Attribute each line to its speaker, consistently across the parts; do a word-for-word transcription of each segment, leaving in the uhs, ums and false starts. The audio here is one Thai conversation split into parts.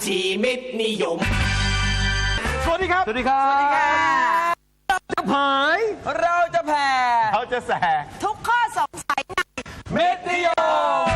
Speaker 1: ชีมิตนิยม
Speaker 2: สวัสดีครับ
Speaker 3: สวัสดีครับ
Speaker 4: สวัสดีค่ะ
Speaker 3: จะผาย
Speaker 4: เราจะแผ่
Speaker 2: เขาจะแส
Speaker 4: ทุกข้อสงสัยใน
Speaker 2: เม็ดนิยม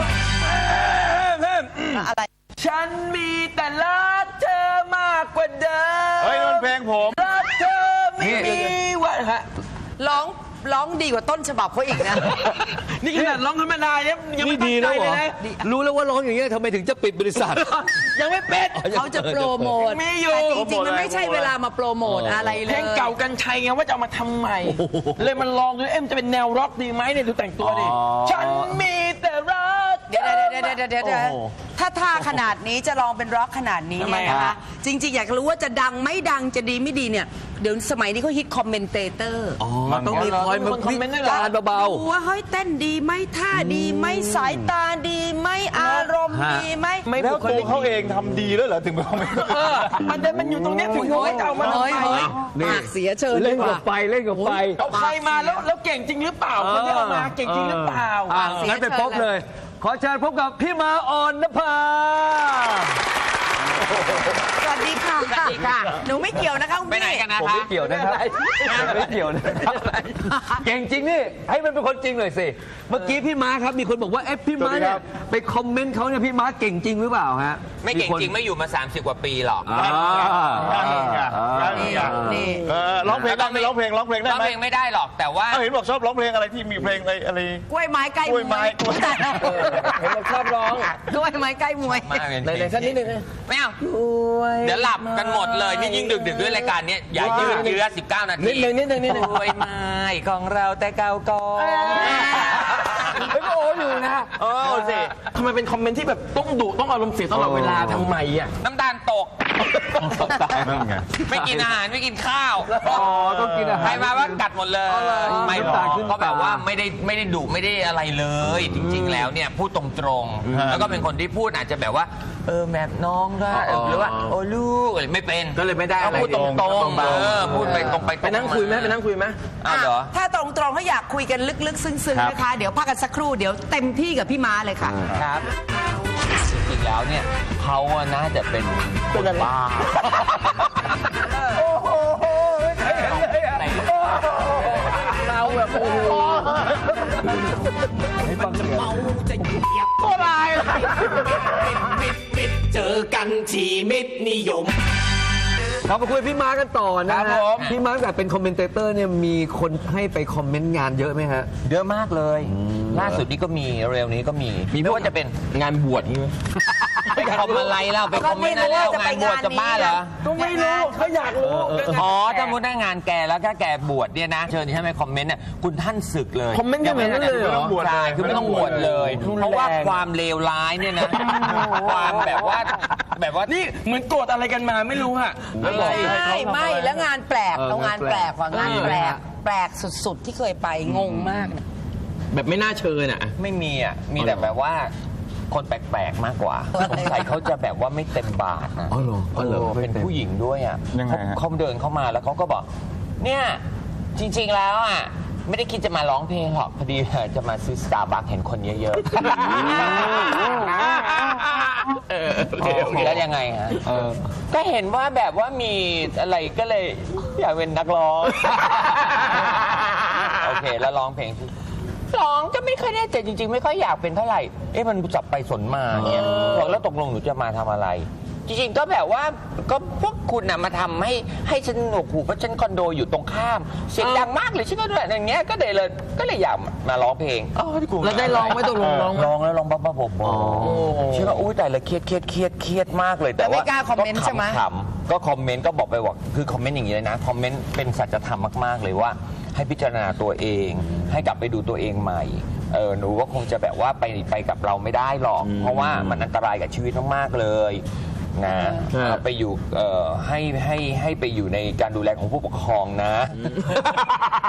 Speaker 4: อะไร
Speaker 5: ฉันมีแต่รักเธอมากกว่าเดิม
Speaker 2: เฮ้ยมันเพลงผม
Speaker 5: รักเธอไม่มีวันฮะ
Speaker 4: ร้องร้องดีกว่าต้นฉบับเขาอีกนะ
Speaker 5: นี่ขนาดร้องธรรมดาเนี่ยยัง
Speaker 3: นี่
Speaker 5: ไม่ตั้
Speaker 3: ดี
Speaker 5: งใจ
Speaker 3: แล้วเหร
Speaker 5: เล
Speaker 3: อย
Speaker 5: นะ
Speaker 3: รู้แล้วว่าร้องอย่างเงี้ยทำไมถึงจะปิดบริษัท
Speaker 5: ยังไม่เป็น
Speaker 4: เขาจะโปรโมท
Speaker 5: มีอยู่
Speaker 4: แต่จริงๆ มันไม่ใช่เวลามาโปรโมทอะไรเลย
Speaker 5: เพลงเก่ากันชัยไงว่าจะเอามาทำใหม่ เลยมันลองดูเอ็มจะเป็นแนวร็อกดีไหมเนี่ยดูแต่งตัวดิ
Speaker 3: อ๋อ
Speaker 5: ฉันมีแต่รัก
Speaker 4: เดี๋ยวเดี๋ยวเดี๋ยวเดี๋ยวเดี๋ยวเดี๋ยวถ้าท่าขนาดนี้จะลองเป็นร็อกขนาดนี้เนี่ยนะคะ จริงๆ อยากรู้ว่าจะดังไม่ดังจะดีไม่ดีเนี่ย เดี๋ยวสมัยนี้เขาฮิตคอมเมนเตเตอร์
Speaker 3: อ๋อต้องมีคอยมาวิจารณ์เบา
Speaker 4: ดูว่าเฮ้ยเต้นดีไหมท่าดีไหมสายตาดีไหมอารมณ์ดีไหม
Speaker 5: ไม่
Speaker 2: แล้ว
Speaker 5: บุค
Speaker 2: ตั
Speaker 5: ลิ
Speaker 2: ว
Speaker 5: ก
Speaker 2: เขาเองทำดีแล้วเหรอถึงไปคอมเมนต์
Speaker 5: เออมันเดินมันอยู่ตรงเนี้ยถึงเขาจะเอามาทำ
Speaker 4: เฮ้ย
Speaker 5: ไม
Speaker 4: เฮ้ย
Speaker 3: นี่
Speaker 4: ปากเสียเชิญ
Speaker 3: ๆเล่น
Speaker 4: ดีก
Speaker 3: กับ
Speaker 4: ว่า
Speaker 3: ไฟเล่นกับไฟ
Speaker 5: เอาใครมาแล้วแล้วเก่งจริงหรือเปล่าคนที่เอามาเก่งจริงหรือเปล่า
Speaker 3: อ่ะงั้นไปพบเลย ขอเชิญพบกับพี่มาอ่อนนภา
Speaker 4: สวัสดีค่ะ
Speaker 5: สวัสดีค่ะ
Speaker 4: หนูไม่เกี่ยวนะคะคุณ
Speaker 5: ไปไหน
Speaker 4: พี่
Speaker 5: กันนะ
Speaker 3: ผม
Speaker 5: คะ
Speaker 3: ไม่เกี่ยวนะครับผมไม่เกี่ยวนะครับเก่งจริงนี่ให้มันเป็นคนจริงหน่อยสิเมื่อกี้พี่ม้าครับมีคนบอกว่าเอ๊ะพี่ม้าเนี่ยไปคอมเมนต์เขาเนี่ยพี่ม้าเก่งจริงหรือเปล่าฮะ
Speaker 6: ไม่เก่งจริงไม่อยู่มา สามสิบ กว่าปีหรอก
Speaker 3: อ่า
Speaker 4: นี่นี่
Speaker 2: เออร้องเพลงได้ไหมร้องเพลงร้องเพลงได้
Speaker 6: ร้อง
Speaker 2: ไหม
Speaker 6: เพลงไม่ได้หรอกแต่ว่า
Speaker 2: เอ้าเห็นบอกชอบร้องเพลงอะไรที่มีเพลงอะไรอะไร
Speaker 4: กล้วยไม้ใกล้
Speaker 2: กล้วยไม้กล้วย
Speaker 5: เห็นบอกชอบร้อง
Speaker 4: กล้วยไม้ใกล้มวย
Speaker 6: มากเลย
Speaker 5: ไหนๆสักนิดนึงนะ
Speaker 6: ไม่เอาเดี๋ยวหลับกันหมดเลยนี่ยิ่งดึกดึกๆด้วยรายการเนี้ยอย่ายืดเยื้อสิบเก้านาที
Speaker 5: นิดนึงนิดนึงนิดนึง
Speaker 6: กล้วยไม้ของเราแต่เก่าก่อน
Speaker 5: เฮ้ยก็โอ้อยู่นะเออสิทำไมเป็นคอมเมนต์ที่แบบต้องดุต้องอารมณ์เสียตลอดเวลาทำไมอ่ะ
Speaker 6: น้ำตาลตก
Speaker 2: นั่นไง
Speaker 6: ไม่กินอาหารไม่กินข้าว
Speaker 3: อ๋อต้องกินอาหาร
Speaker 6: ใครมาว่ากัดหมดเลยไม่หร
Speaker 3: น้ำตา
Speaker 6: อ
Speaker 3: ล
Speaker 6: ก
Speaker 3: ขึ้น
Speaker 6: ก็แบบ
Speaker 3: ตา
Speaker 6: ว่าไม่ได้ไม่ได้ดุไม่ได้อะไรเลย จริง ๆ แล้วเนี่ยพูดตรงๆแล้วก็เป็นคนที่พูดอาจจะแบบว่าเออแบบน้องก็หรือว่าโอ้ลูกอะไรไม่เป็น
Speaker 5: ก็เลยไม่ได้อะไร
Speaker 6: พูดตรงๆเออพูดไปตรงไป
Speaker 5: ไปนั่งคุยไหมไปนั่งคุยไหม
Speaker 6: อ้าวเหรอ
Speaker 4: ถ้าตรงๆเขาอยากคุยกันลึกๆ ซึ้งๆนะคะ เดี๋ยวพักกันสักครู่เดี๋ยวเต็มที่กับพี่ม้าเลยค่ะ
Speaker 6: ครับ จริงๆแล้วเนี่ยเขาอะน่าจะเป็นคนบ้าเราแบบโอ้โห
Speaker 1: โบราณเจอกันที่มิตรนิยม
Speaker 3: เรามาคุยกับพี่ม้ากันต่อนะ
Speaker 5: ครั
Speaker 3: ฮะ
Speaker 5: บผม
Speaker 3: พี่ม้าแต่เป็นคอมเมนเตเตอร์เนี่ยมีคนให้ไปคอมเมนต์งานเยอะไหมฮะ
Speaker 6: เยอะมากเลย ล่าสุดนี้ก็มีเร็วนี้ก็มีไม่ว่าจะเป็น
Speaker 5: งานบวชนี่ไหม
Speaker 6: ไปคอมอะไรเราไปคอมเมนต์อะไรเรางานบวชจะบ้าเหรอ
Speaker 5: ก็ไม่รู้เขาอยากรู้
Speaker 6: อ๋อถ้ามุดหน้างานแกแล้วถ้าแกบวชเนี่ยนะเชิญที่ให้ไปคอมเมนต์เนี่ยคุณท่านศึกเลย
Speaker 5: คอมเมนต์กันอย่างนั้นเลยเหรอ
Speaker 6: ใช่คือไม่ต้องบวชเลย เพราะว่าความเลวร้ายเนี่ยนะความแบบว่าแบบว่า
Speaker 5: นี่เหมือนโกรธอะไรกันมาไม่รู้ฮะ
Speaker 4: ไม่ไม่แล้วงานแปลก
Speaker 3: เออ
Speaker 4: เอางานแปลกกว่างานแปลก
Speaker 3: เออ
Speaker 4: แปลกสุดๆที่เคยไปงงมากนะ
Speaker 5: แบบไม่น่าเชิญอ่ะ
Speaker 6: ไม่มีอ่ะมีแต่แบบว่าคนแปลกๆมากกว่าสงสัยเขาจะแบบว่าไม่เต็มบาทนะ
Speaker 3: อ๋อเหรออ๋อเหรอ
Speaker 6: เออเป็นผู้หญิงด้วยอ่ะ
Speaker 2: ยังไง
Speaker 6: เขา
Speaker 2: ฮะ
Speaker 6: เขาเดินเข้ามาแล้วเขาก็บอก เนี่ยจริงๆแล้วอ่ะไม่ได้คิดจะมาร้องเพลงหรอกพอดีจะมาซื้อสตาร์บัคเห็นคนเยอะๆแล้วยังไงฮะก็เห็นว่าแบบว่ามีอะไรก็เลยอยากเป็นนักร้อง โอเคแล้วร้องเพลงร้องก็ไม่ค่อยแน่ใจจริงๆ ไม่ค่อยอยากเป็นเท่าไหร่ เอ๊ะมันจับไปสนมาเนี่ยบอกแล้วตกลงหนูจะมาทำอะไร จริงๆก็แบบว่าก็พวกคุณน่ะมาทำให้ให้ฉันหนวกหูเพราะฉันคอนโดอยู่ตรงข้ามเสียงดังมากเลยฉันก็ด้วยอย่างเงี้ยก็เลยเลยก็เลยอยากมาร้องเพลงอ๋อที่กู
Speaker 5: แล้วได้ร้องไหมตกลงร้องไหม
Speaker 6: ร้องแล้วร้องบ้าๆบอๆชื่อว่าอุ้ยแต่ละเครียดเครียดเครียดเครียดมากเลยแต่
Speaker 4: แล้วไม่
Speaker 6: ว่าก
Speaker 4: ล้าคอมเมนต์ใช่ไหม
Speaker 6: ขำๆก็คอมเมนต์ก็บอกไปว่าคือคอมเมนต์อย่างนี้เลยนะคอมเมนต์เป็นสัจธรรมมากๆเลยว่าให้พิจารณาตัวเองให้กลับไปดูตัวเองใหม่เออหนูว่าคงจะแบบว่าไปไปกับเราไม่ได้หรอก เพราะว่ามันอันตรายกับชีวิตมากๆเลยนะเอาไปอยู่เอ่อให้ให้ให้ไปอยู่ในการดูแลของผู้ปกครองนะ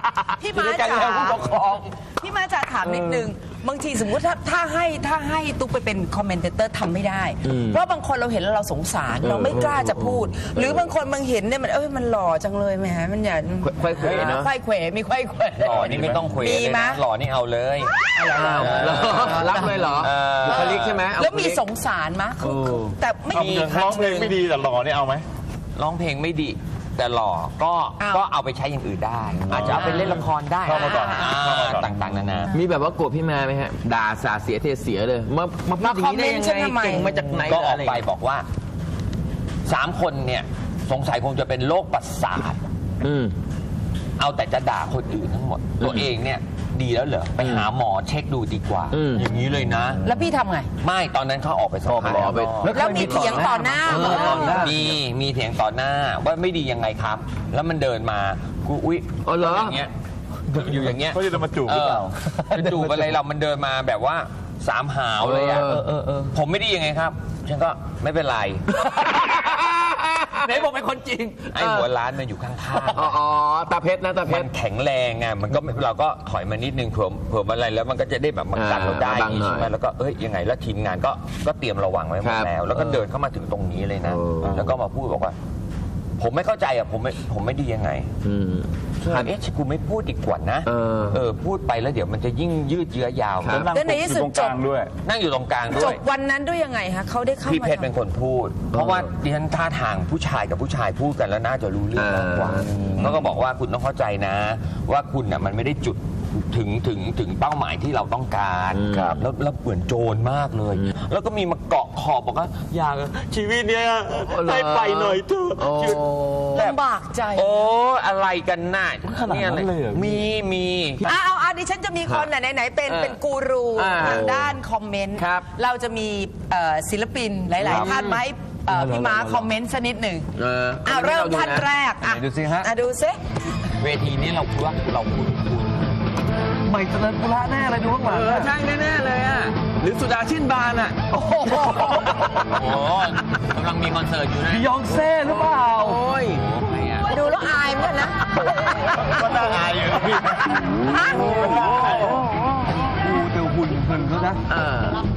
Speaker 4: พี่ม้า
Speaker 5: อยู่ด้วยกัน
Speaker 4: จ๋า
Speaker 5: แล้วผู้ปกครอง
Speaker 4: พี่ม้าจ๋าถามนิดนึงบางทีสมมุติถ้าถ้าให้ถ้าให้ตุ๊กไปเป็นคอมเมนเตอร์ทำไม่ได้ เพราะบางคนเราเห็นแล้วเราสงสารเราไม่กล้าจะพูด หรือบางคนบางเห็นเนี่ยมันเอ้ยมันหล่อจังเลยแหมมันอย่า
Speaker 3: ไขว้เขวเนอะ
Speaker 4: ไขว้เขวมีไขว้เขว
Speaker 6: หล่อนี่ไม่ต้องคุย
Speaker 4: มี
Speaker 6: เลย
Speaker 4: ไหม
Speaker 6: นะหล่อนี่เอาเลย
Speaker 3: รักเลยเหรอ
Speaker 6: เออ
Speaker 3: บุคลิกใช่ไหมเอา
Speaker 4: แล้วมี
Speaker 3: บุคลิก
Speaker 4: สงสารมะคือแต่ไม่
Speaker 2: เอา
Speaker 4: มี
Speaker 2: ร้องเพลงไม่ดีแต่หล่อนี่เอาไหม
Speaker 6: ร้องเพลงไม่ดี แต่หล่อก็
Speaker 4: เอา
Speaker 6: ก็เอาไปใช้อย่างอื่นได้ อาจจะเอาไปเล่นละครได้
Speaker 2: เข้ามาก่อน
Speaker 6: อ่า
Speaker 2: เข้ามาก่อน
Speaker 6: ต่างๆนานา
Speaker 3: มีแบบว่าโกรธพี่มาไหมฮะ ด่าสาเสียเทเสียเลย มามาพูดอย่างนี้ได้ยังไงเก่งมาจากไหน
Speaker 6: ก็ออก
Speaker 3: ะร
Speaker 6: ไปบอกว่าสามคนเนี่ยสงสัยคงจะเป็นโรคประสาท
Speaker 3: อืม
Speaker 6: เอาแต่จะด่าคนอื่นทั้งหมด ตัวเองเนี่ยดีแล้วเหรอไปหาหมอเช็คดูดีกว่า
Speaker 3: อืม
Speaker 6: อย่างนี้เลยนะ
Speaker 4: แล้วพี่ทำไง
Speaker 6: ไม่ตอนนั้นเขาออกไปสัมภาษณ์
Speaker 3: ออกไป
Speaker 4: แล้วมีเถียงต่อหน้า
Speaker 3: เอ
Speaker 4: เหร
Speaker 3: อ
Speaker 4: อ
Speaker 6: มีมีเถียงต่อหน้าว่าไม่ดียังไงครับ แล้วมันเดินมากูอุ๊ย
Speaker 3: อ๋อเหรอ
Speaker 6: อย่างเงี้ยอยู่อย่างเงี้ย
Speaker 2: เขาจะมาจูบหรือเปล่า
Speaker 6: จะจูบอะไรเรามันเดินมาแบบว่าสามหาวเลยอ่ะ
Speaker 3: เออเออเออ
Speaker 6: ผมไม่ดียังไงครับ ฉันก็ไม่เป็นไร
Speaker 3: ไหนบอกเป็นคนจริง
Speaker 6: ไอ้หัวร้านมันอยู่ข้าง
Speaker 3: อ๋ออ๋อตาเพชรนะตา
Speaker 6: ๆ
Speaker 3: เพ
Speaker 6: มั
Speaker 3: ช
Speaker 6: น
Speaker 3: ร
Speaker 6: แข็งแรงไงมันก็เราก็ถอยมานิดนึงเผื่อเผื่ออะไรแล้วมันก็จะได้แบบมากันเราได้
Speaker 3: อ่าบังหน่อย
Speaker 6: ใช่ไหมแล้วก็เอ้ยยังไงแล้วทีมงานก็ก็เตรียมระวังไว้หม
Speaker 3: ค
Speaker 6: ด
Speaker 3: รับ
Speaker 6: แล้ว แล้วก็เดินเข้ามาถึงตรงนี้เลยนะ
Speaker 3: เออ
Speaker 6: แล้วก็มาพูดบอกว่า ผมไม่เข้าใจอ่ะผมไม่ผมไม่ดียังไง
Speaker 3: อืม
Speaker 6: เอ๊ะกูไม่พูดดีกว่านะ
Speaker 3: เออ
Speaker 6: เออพูดไปแล้วเดี๋ยวมันจะยิ่งยืดเยื้อยาว
Speaker 3: ครับ
Speaker 4: แล้วในที่สุด
Speaker 2: ตรงกลางด้วย
Speaker 6: นั่งอยู่ตรงกลาง
Speaker 4: จ
Speaker 6: ด้วย
Speaker 4: บวันนั้นด้วยยังไงคะเขาได้เข้า
Speaker 6: พี่
Speaker 4: มา
Speaker 6: เพชรเป็นคนพูด เพราะว่าดิฉันท่าทางผู้ชายกับผู้ชายพูดกันแล้วน่าจะรู้เรื่องมากกว่าเขาก็บอกว่าคุณต้องเข้าใจนะ ว่าคุณน่ะมันไม่ได้จุดถึงถึงถึงเป้าหมายที่เราต้องการ
Speaker 3: ครับ
Speaker 6: แล้วแล้วเหมือนโจรมากเลย แล้วก็มีมาเกาะขอบบอกว่าอยากชีวิตเนี้ยให้ไปหน่อยเถอะ
Speaker 3: โอ้
Speaker 6: ชีวิตแบบ
Speaker 4: ลำบากใจ
Speaker 6: โอ้อะไรกันน่ะ
Speaker 2: ขนาดนั้นเลยเหรอ
Speaker 6: มีมี
Speaker 4: อ่ะเอาเอาดิฉันจะมีคนไหนไหนๆเป็น
Speaker 3: เออ
Speaker 4: เป็นกูรู
Speaker 3: อ่า
Speaker 4: ทางด้านคอมเมนต์
Speaker 3: ครับ
Speaker 4: เราจะมีเอ่อศิลปินหลาย ๆ ท่านมาให้เอ่อพี่ม้าคอมเมนต์สักนิดหนึ่ง
Speaker 3: เออ
Speaker 4: อ่ะเริ่มท่านแรกอ่ะ
Speaker 3: ดูสิฮะ
Speaker 4: อ่ะดูซิ
Speaker 6: เวทีนี้เราคิดว่าเราคุ้นคุ้น
Speaker 3: ใหม่เจริญปุระแน่เลยดูข้างหลังเออใช่แน่ๆเลยอ่ะ หรือสุดาชื่นบานอ่ะ โอ้โห
Speaker 6: โอ้กำลังมีคอนเสิร์ตอยู่นะ
Speaker 3: บิยองเซ่หรือเปล่า โอ้ย
Speaker 6: ใครอ่ะ
Speaker 4: ดูแล้วอายเหมือนกันนะ
Speaker 2: ก็น่าอายอยู่นะพี่
Speaker 4: ฮะ
Speaker 3: ดูแต่หุ่นหุ่นเขานะเออ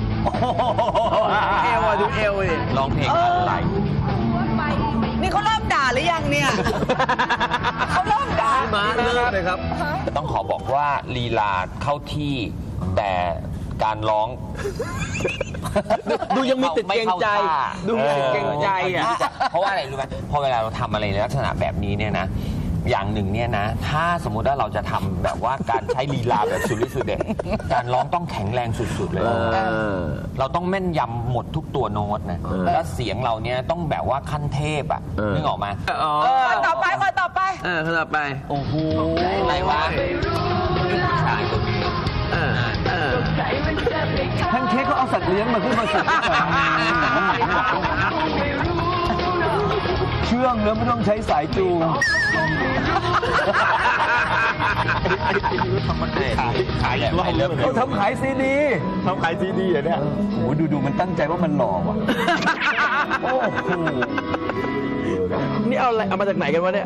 Speaker 3: เอวอ่ะดูเอวดิ
Speaker 6: ร้องเพลงอะไร
Speaker 4: นี่เขาเริ่มด่าหรือยังเนี่ย เขาเริ่มด่า
Speaker 3: มาเริ่มเลยครับ
Speaker 6: ต้องขอบอกว่าลีลาเข้าที่แต่การร้อง
Speaker 3: ดูยังมีติดเกรงใจ
Speaker 6: ไม่ข้าท่า
Speaker 3: ดูมีติดเกรงใจอ่ะ
Speaker 6: เพราะว่าอะไรรู้ไหมพอเวลาเราทำอะไรในลักษณะแบบนี้เนี่ยนะ อย่างหนึ่งเนี่ยนะ ถ้าสมมุติว่าเราจะทำแบบว่าการใช้ลีลาแบบสุดฤทธิ์สุดเด็ดการร้องต้องแข็งแรงสุดๆเลย เราต้องแม่นยำหมดทุกตัวโน้ตนะ
Speaker 3: เออ
Speaker 6: แล้วเสียงเราเนี่ยต้องแบบว่าขั้นเทพอ่ะ
Speaker 3: เออ
Speaker 6: นึกออกมา
Speaker 3: อ๋อ
Speaker 4: คนต่อไปคนต่อไป
Speaker 3: เออคนต่อไป โอ้โห
Speaker 6: อะไรวะผู้ชายคนนี้
Speaker 3: เออเออแพนเค้กเขาเอาสัตว์เลี้ยงมาขึ้นมาสิเชื่องแล้วไม่ต้องใช้สายจูง
Speaker 2: ขายอีกรอบเริ่ม
Speaker 3: เขาทำขายซีดี
Speaker 2: ทำขายซีดีอ่ะเนี่ย
Speaker 3: โอ้โหดูดูมันตั้งใจว่ามันหล่อว่ะ โอ้โห นี่เอาอะไรเอามาจากไหนกันวะเนี่ย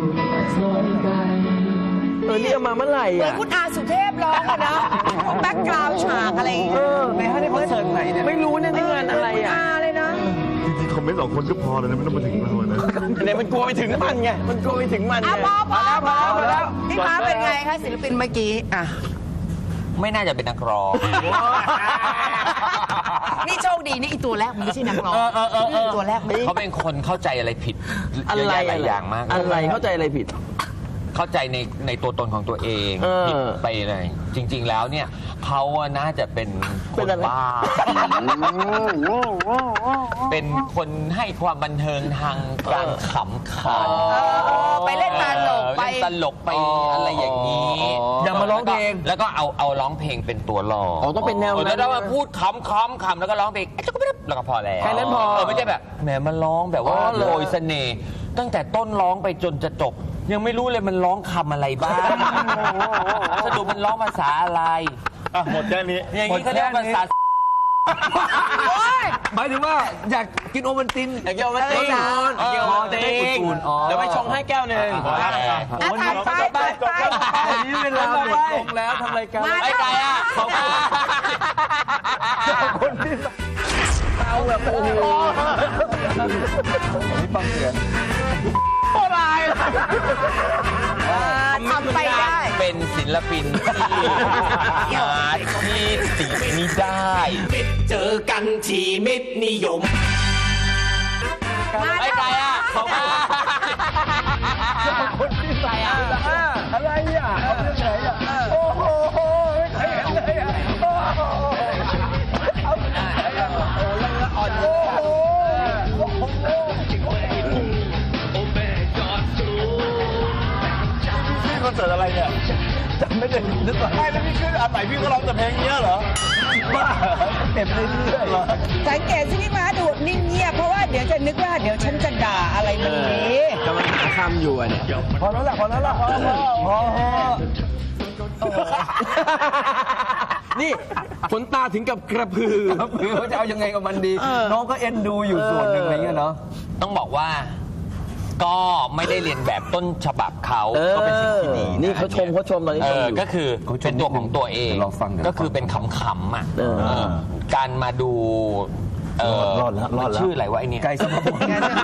Speaker 3: เออ นี่เอามาเมื่อไหร่
Speaker 4: เหมือน
Speaker 3: อ่ะ
Speaker 4: คุณอาสุเทพร้องอะนะแบ็กกราวด์ฉากอะไรอย่างเงี้ย
Speaker 3: เออในฮะในคอนเสิร์ตไหนเนี่ย ไม่รู้เนี่ยนี่งานอะไร
Speaker 4: คุณ
Speaker 3: อ่ะ
Speaker 4: อาเลยนะ
Speaker 2: จริงๆคอมเมนต์สองคนก็พอแล้วนะไม่ต้องมาถึงเรานะ
Speaker 3: เนี่ยมันกลัวไปถึงมันไง มันกลัวไปถึงมัน
Speaker 4: อ่ะ
Speaker 3: ไง
Speaker 4: พอพอพอ
Speaker 3: พอแล้ว
Speaker 4: พี่ม้าเป็นไงคะศิลปินเมื่อกี้อ่ะ
Speaker 6: ไม่น่าจะเป็นนักร้อง
Speaker 4: นี่โชคดีนี่อีตัวแรกมันไม่ใช่นักร้อง
Speaker 3: เออเออเออเออ
Speaker 4: นี่ตัวแรกมัน
Speaker 6: เขาเป็นคนเข้าใจอะไรผิด
Speaker 3: อะ
Speaker 6: เยอะ
Speaker 3: ไร
Speaker 6: แยะหลายอย่างมาก
Speaker 3: อะไรเข้าใจอะไรผิด
Speaker 6: เข้าใจในในตัวตนของตัวเอง
Speaker 3: เออ
Speaker 6: ผิดไปเลยจริง ๆ แล้วเนี่ยเขาอะน่าจะเป็นค
Speaker 3: เป็น
Speaker 6: น
Speaker 3: อะไร
Speaker 6: บ้า เป็นคนให้ความบันเทิงทางการขำขัน
Speaker 4: เออไปเล่นตลกไป
Speaker 6: เล่นตลกไปอะไรอย่างนี้
Speaker 3: อย่ามาร้องเพลง
Speaker 6: แล้วก็เอาเอาร้องเพลงเป็นตัวรอง
Speaker 3: อ๋อต้องเป็นแนวนั้น
Speaker 6: แล้วเรามาพูดคำคำคำแล้วก็ร้องเพลงแล้วก็พอแล้ว
Speaker 3: แค่นั้นพอ
Speaker 6: เออไม่ใช่แบบแหมมันร้องแบบว่า
Speaker 3: อ๋อเหรอ
Speaker 6: โรยเสน่ห์ตั้งแต่ต้นร้องไปจนจะจบ ยังไม่รู้เลยมันร้องคำอะไรบ้างสรุปมันร้องภาษาอะไร
Speaker 2: อ่ะหมดแค่นี้
Speaker 6: อย่างนี้เขาเรียกว่าภาษา
Speaker 3: หมายถึงว่าอยากกินโอวัลติน
Speaker 5: อยากกินโอวัลติน
Speaker 3: อยากกินโอวัลติน
Speaker 5: เออ
Speaker 3: จะได้อุ่นๆอ๋อ
Speaker 5: เดี๋ยวไปชงให้แก้วหนึ่ง
Speaker 2: พอแล้ว
Speaker 4: อ่ะถ่ายไปถ่ายไป
Speaker 3: วันนี้เวลาหมดลงแล้วทำรายการ
Speaker 6: ไอ้ไก่อะขอบคุณ
Speaker 3: คนที่เอาแบบโอ้โหนี่ฟังเสียง
Speaker 4: ทำไปได้
Speaker 6: เป็นศิลปินที่หาที่ติไม่ได้
Speaker 1: เจอกันที่มิตรนิยม
Speaker 6: ไอ้ไก่อะขอบคุณ
Speaker 3: คนที่ใส่อะไรอ่ะเอาเรื่องไหนอ่ะโอ้โหไม่เคยเห็นเลยอ่ะโอ้โหเอาเรื่องไหนอ่ะโอ้โหแล้วอ่อนโอ้โหโอ้โหนี่คอนเสิร์ตอะไรเนี่ยจำไม่ได้นึกว่าไม่แล้วพี่ขึ้นอันไหนพี่ก็ร้องแต่เพลงเนี้ยเหรอบ้าเก็บเรื่อยๆ
Speaker 4: สังเกตสิพี่ม้าดูนิ่งเงียบเพราะว่าเดี๋ยวจะนึกว่าเดี๋ยวฉันจะด่าอะไรมันนี้
Speaker 5: กำลังหาคำอยู่อ่ะเนี่ย
Speaker 3: พอแล้วล่ะพอแล้วล่ะพอแล้วพอ
Speaker 5: นี่ขนตาถึงกับกระพือ
Speaker 3: เขาจะเอายังไงกับมันดี น้องก็เอ็นดูอยู่ส่วนหนึ่งอะไรเงี้ยเนาะ
Speaker 6: ต้องบอกว่าก็ไม่ได้เรียนแบบต้นฉบับเขาก็เป็นสิ่งที่ดีะ
Speaker 5: นี่เขาชมเขาชมตอนนี้
Speaker 6: เอ
Speaker 5: ชม
Speaker 6: อ
Speaker 5: อยู่
Speaker 6: ก็คือเป็นตัวของตัวเอง
Speaker 3: เดี๋ยวเราฟังเดี๋ยว
Speaker 6: ก็คือเป็นขำๆอ่ะ
Speaker 5: เออ
Speaker 6: เออการมาดูเออ
Speaker 3: รอดแล้วรอดแล้ว
Speaker 6: มันชื่ออะไรวะไอ้เนี่ย
Speaker 3: ไก่สมบูรณ์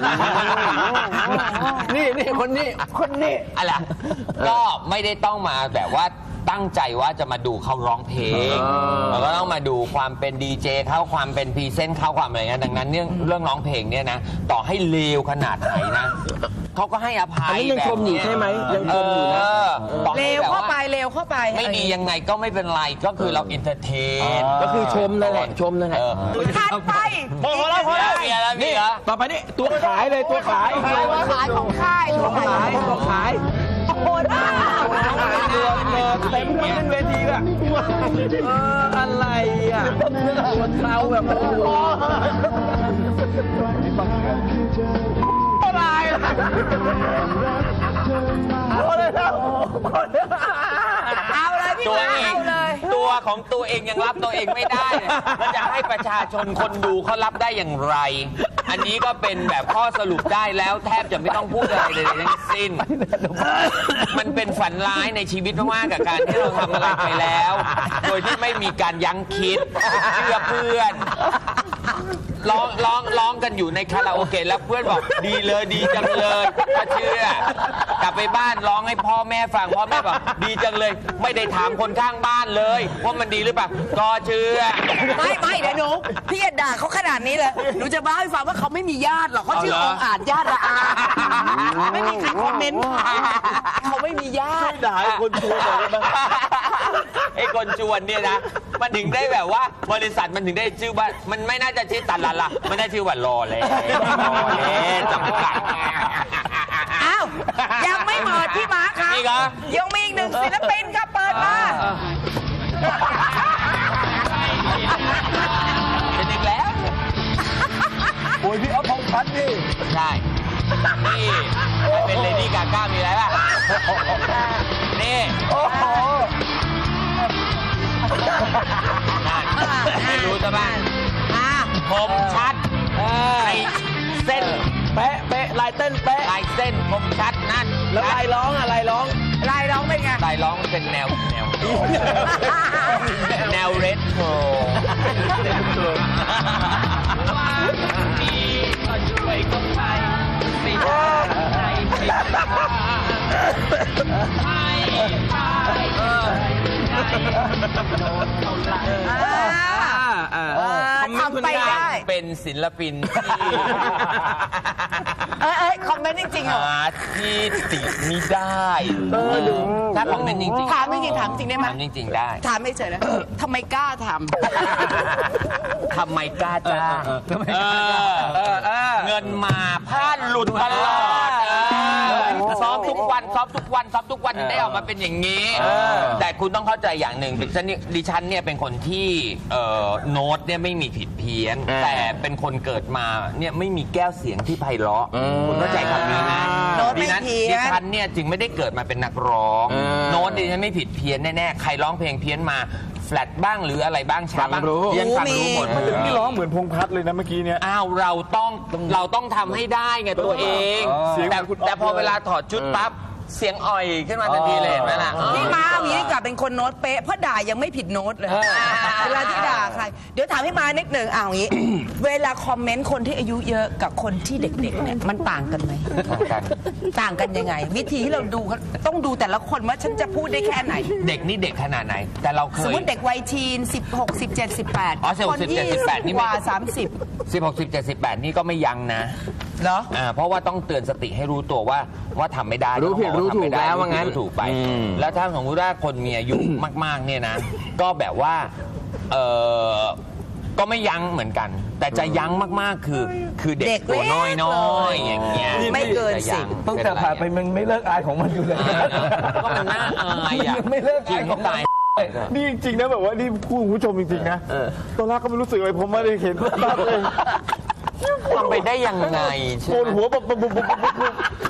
Speaker 5: นี่นี่คนนี้คนนี้
Speaker 6: อะไรก็ไม่ได้ต้องมาแบบว่าตั้งใจว่าจะมาดูเขาร้องเพลงแล้วก็ต้องมาดูความเป็นดีเจเขาความเป็นพรีเซนต์เขาความอะไรเงี้ยดังนั้นเรื่องเรื่องร้องเพลงเนี่ยนะต่อให้เลวขนาดไหนนะเขาก็ให้อภั
Speaker 5: อัน
Speaker 6: ย
Speaker 5: นี้ยังชมอยู่ใช่ไหมยังชมอยู่นะ
Speaker 6: ต่อให้
Speaker 4: เร็ว
Speaker 6: แบบ
Speaker 4: เข้าไป
Speaker 6: ว่า
Speaker 4: เร็วเข้าไป
Speaker 6: ไม่ดียังไงก็ไม่เป็นไรก็คือเราอินเตอร์เทน
Speaker 5: ก็คือชมนั่นแหละชมนั่นแหละ
Speaker 4: ถัดไป
Speaker 6: พอแล้วพอแล้วมีอะไรมีเหรอ
Speaker 5: ต่อไปนี่ตัวขายเลยตัวขาย
Speaker 4: ขายของค่ายของ
Speaker 5: ขายตัวขาย
Speaker 4: โอ้ยบ้า
Speaker 5: เดือดเดือดเต็มทั้งเวทีอ่ะเอออะไรอ่ะคนเราแบบโอ้โหอะไรอ่ะเอาเลยครับ
Speaker 4: เอาเลยพี่
Speaker 6: ตัว
Speaker 4: ม้า
Speaker 6: เอง
Speaker 4: เอาเลย
Speaker 6: ตัวของตัวเองยังรับตัวเองไม่ได้เนี่ยแล้วจะให้ประชาชนคนดูเขารับได้อย่างไร อันนี้ก็เป็นแบบข้อสรุปได้แล้วแทบจะไม่ต้องพูดอะไรเลยทั้งสิ้น มันเป็นฝันร้ายในชีวิตมากๆกับการที่เราทำอะไรไปแล้ว โดยที่ไม่มีการยั้งคิดเชื่อเพื่อนร้องร้องร้องกันอยู่ในคาราโอเกะแล้วเพื่อนบอกดีเลยดีจังเลยก็เชื่อกลับไปบ้านร้องให้พ่อแม่ฟังพ่อแม่บอกดีจังเลย ไม่ได้ถามคนข้างบ้านเลยว่ามันดีหรือเปล่าก็เชื่อ
Speaker 4: ไม่ไม่เดี๋ยวหนูพี่อย่าด่าเขาขนาดนี้เลยหนูจะบ้าให้ฟังว่าเขาไม่มีญาติหรอกเขาชื่อองค์อาจญาติละอาไม่มีใครคอมเมนต์เขาไม่มีญาติ
Speaker 2: ด่าให้คนชวนหน่อยได้ไหม
Speaker 6: ไอ้คนชวนเนี่ยนะมันถึงได้แบบว่าบริษัทมันถึงได้ชื่อว่ามันไม่น่าจะชื่อตันละละมันน่าชื่อว่ารอเลยรอเลยจำกัด
Speaker 4: อ้าวยังไม่หมดพี่ม้าครับ
Speaker 6: นี่เหรอ
Speaker 4: ยังมีอีกหนึ่งศิลปินครับเปิดมา
Speaker 6: เป็นอีกแล้ว
Speaker 3: โอ้ยพี่เอาทองพันดิ
Speaker 6: ใช่ นี่มันเป็นเลดี้กาก้ามีอะไรป่ะ นี่
Speaker 3: โอ้โห
Speaker 6: นั่นไม่รู้ซะบ้าง
Speaker 4: อ่า
Speaker 6: ผมชัดในเส้น
Speaker 5: เป๊ะเป๊ะลายเต้นเป๊ะ
Speaker 6: ลายเส้นผมชัดนั่น
Speaker 5: แล้วลายร้องอะไรร้อง
Speaker 4: ลายร้องเป็นไง
Speaker 6: ลายร้องเป็นแนวแนว แนวเรทโทร
Speaker 4: ทำไปได้
Speaker 6: เป็นศิลปินที่
Speaker 4: เอ้ยเอ้ยคอมเมนต์จริงๆเหรอ
Speaker 6: หาที่ติไม่ได้ถ้าคอมเมนต์จริงๆ
Speaker 4: ถามจริงๆถามจริงได้ไหม
Speaker 6: ถามจริงๆได้
Speaker 4: ถามไม่เฉยนะทำไมกล้าท
Speaker 6: ทำไมกล้าจ้างเออเงินมาพลาดหลุดตลอดเออซ้อมทุกวันซ้อมทุกวันซ้อมทุกวันถึงได้ออกมาเป็นอย่างนี้ แต่คุณต้องเข้าใจอย่างหนึ่งดิฉันเนี่ยดิฉันเนี่ยเป็นคนที่เอ่อโน้ตเนี่ยไม่มีผิดเพี้ยน แต่เป็นคนเกิดมาเนี่ยไม่มีแก้วเสียงที่ไพเราะคุณเข้าใจคำนี้นะ
Speaker 4: ำโน้ตไม่
Speaker 6: ดิฉัน
Speaker 4: เพี้ย
Speaker 6: ดิ
Speaker 4: น
Speaker 6: ฉันเนี่ยจึงไม่ได้เกิดมาเป็นนักร้อง โน้ตดิฉันไม่ผิดเพี้ยนแน่ๆใครร้องเพลงเพี้ยนมาแฟลตบ้างหรืออะไรบ้างช้าบ้างดิฉันฟังรู้หมด
Speaker 2: พี่ร้องเหมือนพงษ์พัฒน์เลยนะเมื่อกี้เนี่ย
Speaker 6: อ้าวเราต้องเราต้องทำให้ได้ไงตัวเอง
Speaker 2: เสียง
Speaker 6: แต่
Speaker 2: เหมือนคุณอ๊อฟ
Speaker 6: แต่พอเวลาถอดชุดปั๊บเสียงอ่อยขึ้นมาทันทีเลยเห็นไหมล่ะ
Speaker 4: พี่ม้าอย่างนี้ดีกว่าเป็นคนโน้ตเป๊ะเพราะด่ายังไม่ผิดโน้ตเลยเวลาที่ด่าใครเดี๋ยวถามพี่ม้านิดหนึ่งเอาอย่างนี้ เวลาคอมเมนต์คนที่อายุเยอะกับคนที่เด็กๆเนี่ยมันต่างกันไหม
Speaker 6: ต่างกัน
Speaker 4: ต่างกันยังไง วิธีที่เราดูต้องดูแต่ละคนว่าฉันจะพูดได้แค่ไหน
Speaker 6: เด็กนี่เด็กขนาดไหน แต่เราเค
Speaker 4: สม
Speaker 6: ย
Speaker 4: มติเด็กวัยทีนสิบหก สิบเจ็ด สิบแปด
Speaker 6: อ๋อสิบหก
Speaker 4: คน
Speaker 6: สิบเจ็
Speaker 4: ยี่
Speaker 6: ด สิบแปดนี่
Speaker 4: ก
Speaker 6: ไม่
Speaker 4: ว่าสามสิบ
Speaker 6: สิบหก สิบเจ็ด สิบแปดนี่ก็ไม่ยั้งนะ
Speaker 4: เหรอ
Speaker 6: อ่าเพราะว่าต้องเตือนสติให้รู้ตัวว่าว่าทำไม่ได้
Speaker 5: รู้ผิด
Speaker 6: ต้องบอ
Speaker 5: รู้ถูก
Speaker 6: ทำไม่ได้
Speaker 5: แล้วว่างั้น
Speaker 6: รู้ถูกไป
Speaker 5: อืม
Speaker 6: แล้วถ้าสมมติว่าคนมีอายุ มากๆเนี่ยนะ ก็แบบว่าเออก็ไม่ยั้งเหมือนกัน แต่จะยั้งมากๆคือคือเด็ก
Speaker 4: เด็ก
Speaker 6: ตัวน้อย
Speaker 4: เล็ก
Speaker 6: น้อย
Speaker 4: เลย
Speaker 6: อย่างเงี้ย
Speaker 4: ไม่เกิน
Speaker 6: จะยั้
Speaker 4: สิบ
Speaker 5: ตั้งแต่ผ่านไปมันไม่เลิกอายของมันอยู่เลย
Speaker 6: ก็มันน่าอายอ่ะ
Speaker 5: ไม่เลิก
Speaker 6: จริ
Speaker 5: อาย
Speaker 6: ง
Speaker 5: ของ
Speaker 6: ตาย
Speaker 2: นี่จริงๆนะแบบว่านี่พูดคุณผู้ชมจริงๆนะตอนแรกก็ไม่รู้สึกอะไรผมไม่ได้เห็นภาพเลย
Speaker 6: ทำไปได้ยังไงใช่
Speaker 2: โกน
Speaker 6: ไหม
Speaker 2: หัวแบบปุ๊บปุ๊บปุ๊บปุ๊บ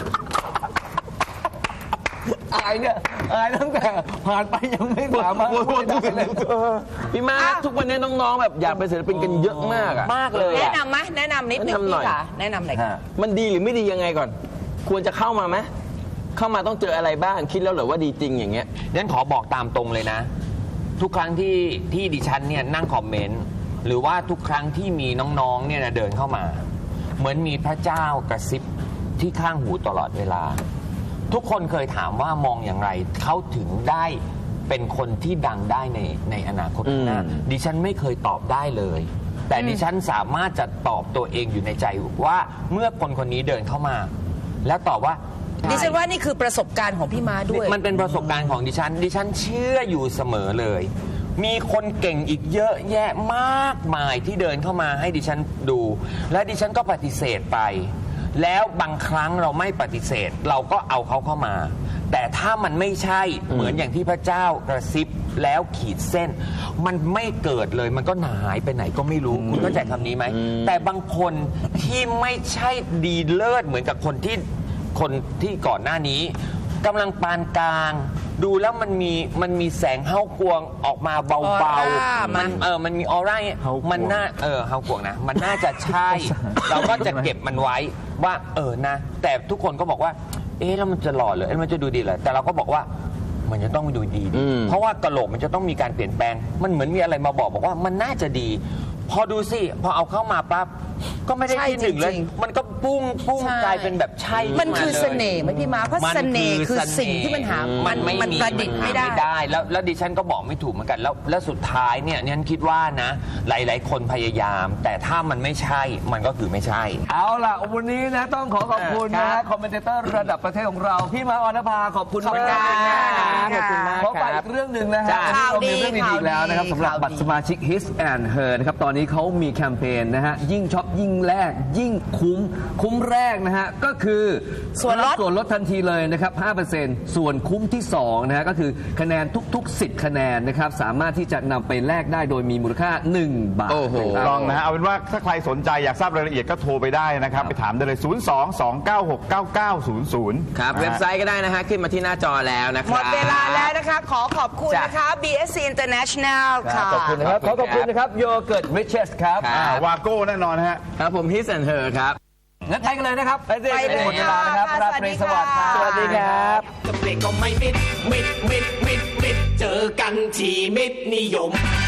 Speaker 5: อายเนี่ยอายตั้งแต่ผ่านไปยังไม่สามารถพูดได้เลยพี่มาทุกวันนี้น้องๆแบบอยากเป็นศิลปินกันเยอะมากอะ
Speaker 6: มากเลย
Speaker 4: แนะ
Speaker 6: อะ
Speaker 4: นำไหมแนะนำนิดหนึ่ง
Speaker 5: แนะนำหน่อย
Speaker 4: พี่ค่ะแนะนำหน่อยค่ะ
Speaker 5: มันดีหรือไม่ดียังไงก่อน ควรจะเข้ามาไหมเข้ามาต้องเจออะไรบ้างคิดแล้วเหรอว่าดีจริงอย่างเงี้ย
Speaker 6: งั้นขอบอกตามตรงเลยนะ ทุกครั้งที่ที่ดิฉันเนี่ยนั่งคอมเมนต์หรือว่าทุกครั้งที่มีน้องๆเนี่ยนะเดินเข้ามา เหมือนมีพระเจ้ากระซิบที่ข้างหูตลอดเวลา ทุกคนเคยถามว่ามองอย่างไรเขาถึงได้เป็นคนที่ดังได้ในในอนาคตข้างหน้า
Speaker 5: อืม
Speaker 6: ดิฉันไม่เคยตอบได้เลย แต่ดิฉันสามารถจะตอบตัวเองอยู่ในใจว่าเมื่อคนคนนี้เดินเข้ามา แล้วตอบว่า
Speaker 4: ดิฉันว่านี่คือประสบการณ์ของพี่ม้าด้วย
Speaker 6: มันเป็นประสบการณ์ของดิฉัน ดิฉันเชื่ออยู่เสมอเลย มีคนเก่งอีกเยอะแยะมากมายที่เดินเข้ามาให้ดิฉันดู และดิฉันก็ปฏิเสธไป แล้วบางครั้งเราไม่ปฏิเสธ เราก็เอาเขาเข้ามา แต่ถ้ามันไม่ใช่เหมือนอย่างที่พระเจ้ากระซิบแล้วขีดเส้น มันไม่เกิดเลยมันก็หายไปไหนก็ไม่รู้ คุณเข้าใจคำนี้ไหม แต่บางคนที่ไม่ใช่ดีเลิศเหมือนกับคนที่ คนที่ก่อนหน้านี้กำลังปานกลาง ดูแล้วมันมีมันมีแสงเฮ้ากวงออกมาเบา
Speaker 4: ออร่า
Speaker 6: ๆ
Speaker 4: มั
Speaker 6: มัน นเออมันมีออร่าเนี่ย
Speaker 2: เฮ้ากวง
Speaker 6: มันน่าเออเฮ้ากวงนะ มันน่าจะใช่ เราก็จะเก็บมันไว้ว่าเออนะ แต่ทุกคนก็บอกว่า เอ๊ะแล้วมันจะหล่อเหรอเอ๊ะมันจะดูดีเหรอแต่เราก็บอกว่ามันจะต้องดูดีดิ
Speaker 5: อืม
Speaker 6: เพราะว่ากะโหลกมันจะต้องมีการเปลี่ยนแปลง มันเหมือนมีอะไรมาบอกบอกว่ามันน่าจะดี พอดูสิพอเอาเข้ามาปั๊บก็ไม่ได้
Speaker 4: ใช่
Speaker 6: ที่หนึ่งเลย
Speaker 4: จริงๆ
Speaker 6: มันก็ปุ้งปุ้ง
Speaker 4: ใช่
Speaker 6: กลายเป็นแบบใช่
Speaker 4: มันคือ
Speaker 6: ขึ้าลย
Speaker 4: เสน่ห์ไหมพี่ม้าเพราะ
Speaker 6: มัน
Speaker 4: เสน่ห์
Speaker 6: คือ
Speaker 4: คือ
Speaker 6: เสน่ห์
Speaker 4: สิ่งที่มันหา
Speaker 6: มั
Speaker 4: มัน
Speaker 6: ไม่
Speaker 4: มัน
Speaker 6: มี
Speaker 4: ประดิษฐ์ไม่ได้
Speaker 6: ไม่ได้แล้วแล้วดิฉันก็บอกไม่ถูกเหมือนกันแล้วแล้วสุดท้ายเนี่ยเนี่ยคิดว่านะ หลาย ๆ คนพยายาม แต่ถ้ามันไม่ใช่มันก็คือไม่ใช่
Speaker 5: เอาล่ะวันนี้นะต้องขอขอบคุณนะคอมเมนเตอร์ระดับประเทศของเรา พี่มาออนภาขอบคุณ
Speaker 4: ขอบคุณ
Speaker 5: มาก
Speaker 4: ค่ะ
Speaker 5: ขอบคุณมากขอฝากอีกเรื่องหนึ่งนะฮะ
Speaker 4: ข่าวดี
Speaker 5: มีเรื่องดีๆอีกแล้วนะครับสำหรับ
Speaker 4: ข่าวดี
Speaker 5: บัตรสมาชิก His and Her นะครับตอนนี้เขามีแคมเปญนะฮะยิ่งช็อปยิ่งแลกยิ่งคุ้มคุ้มแรกนะฮะก็คือ
Speaker 4: ส่วนลด
Speaker 5: ส่วนลดทันทีเลยนะครับ ห้าเปอร์เซ็นต์ ส่วนคุ้มที่สองนะฮะก็คือคะแนนทุกๆ สิบ คะแนนนะครับสามารถที่จะนำไปแลกได้โดยมีมูลค่า หนึ่ง บาท
Speaker 6: โอ้โห
Speaker 5: นะค
Speaker 2: ล
Speaker 5: รับ
Speaker 2: องนะฮะเอาเป็นว่าถ้าใครสนใจอยากทราบรายละเอียดก็โทรไปได้นะครับ ไปถามได้เลย ศูนย์ สอง สอง เก้า หก เก้า เก้า ศูนย์ ศูนย์
Speaker 3: ครับ เว็บไซต์ก็ได้นะฮะ ขึ้นมาที่หน้าจอแล้วนะค
Speaker 4: หม
Speaker 3: รับ
Speaker 4: ดเวลาแล้วนะคะ ขอขอบคุณ
Speaker 3: จ้ะ
Speaker 4: นะคะ บี เอส ซี International ค่ะ
Speaker 5: ขอบคุณนะครับขอขอบคุณนะครับโยเกิร์ตริชเชสครับ
Speaker 3: ครับ
Speaker 2: อ่าวาโก้แน่นอนนะฮะ
Speaker 3: ครับผม His and Her ครับ
Speaker 5: งั้นไปกันเลยนะครับ ไปสิ
Speaker 4: ไปเลย
Speaker 5: หมดเวลานะครับ
Speaker 4: ค่ะ
Speaker 5: ราตรีสวัสดิ์ครับ
Speaker 4: สวัสดีค่ะ
Speaker 1: ก็เบรกก็ไม่มิด มิด มิด มิด มิด เจอกันที่มิดนิยม